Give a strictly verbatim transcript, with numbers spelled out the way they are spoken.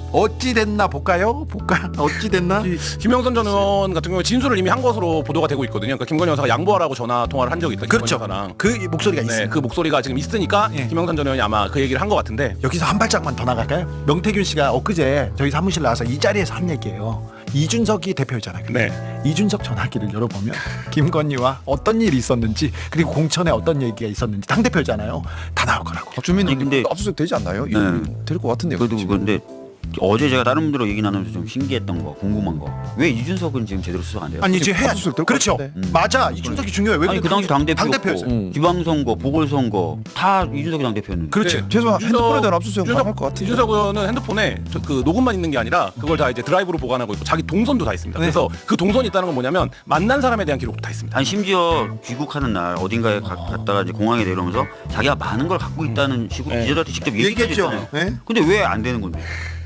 어찌 됐나 볼까요? 볼까? 어찌 됐나? 김영선 전 의원 같은 경우에 진술을 이미 한 것으로 보도가 되고 있거든요. 그러니까 김건희 여사가 양보하라고 전화 통화를 한 적이 있다. 그렇죠. 김건희 여사랑. 그 목소리가 네, 있어요. 그 목소리가 지금 있으니까 예. 김영선 전 의원이 아마 그 얘기를 한 것 같은데. 여기서 한 발짝만 더 나갈까요? 명태균 씨가 엊그제 저희 사무실 나와서 이 자리에서 한 얘기예요. 이준석이 대표였잖아요. 네. 이준석 전화기를 열어보면 김건희와 어떤 일이 있었는지 그리고 공천에 어떤 얘기가 있었는지 당대표잖아요. 다 나올 거라고. 박주민 아니, 근데- 압수수색 되지 않나요? 네. 될 것 같은데요. 그래도 지금. 근데 어제 제가 다른 분들하고 얘기 나누면서 좀 신기했던 거, 궁금한 거. 왜 이준석은 지금 제대로 수석 안 돼요? 아니 이제 해야 압수수색 될것 그렇죠. 같은데. 음. 맞아. 이준석이 중요해. 왜 아니 그래? 그 당시 당대표였고 당대표였어요. 음. 지방선거, 보궐선거 다 이준석이 당대표였는데. 그렇지. 네. 최소한 이준석- 핸드폰에 대한 압수수색 이준석- 할것 같아요. 이준석 의원은 핸드폰에 저- 그 녹음만 있는 게 아니라 그걸 다 이제 드라이브로 보관하고 있고 자기 동선도 다 있습니다. 네. 그래서 그 동선이 있다는 건 뭐냐면 만난 사람에 대한 기록도 다 있습니다. 아니 심지어 귀국하는 날 어딘가에 가, 갔다가 이제 공항에 내려오면서 자기가 많은 걸 갖고 있다는 식으로 네. 기자들한테 직접 얘기했죠. 얘기했잖아요. 네? 근데 왜 안 되는 건데?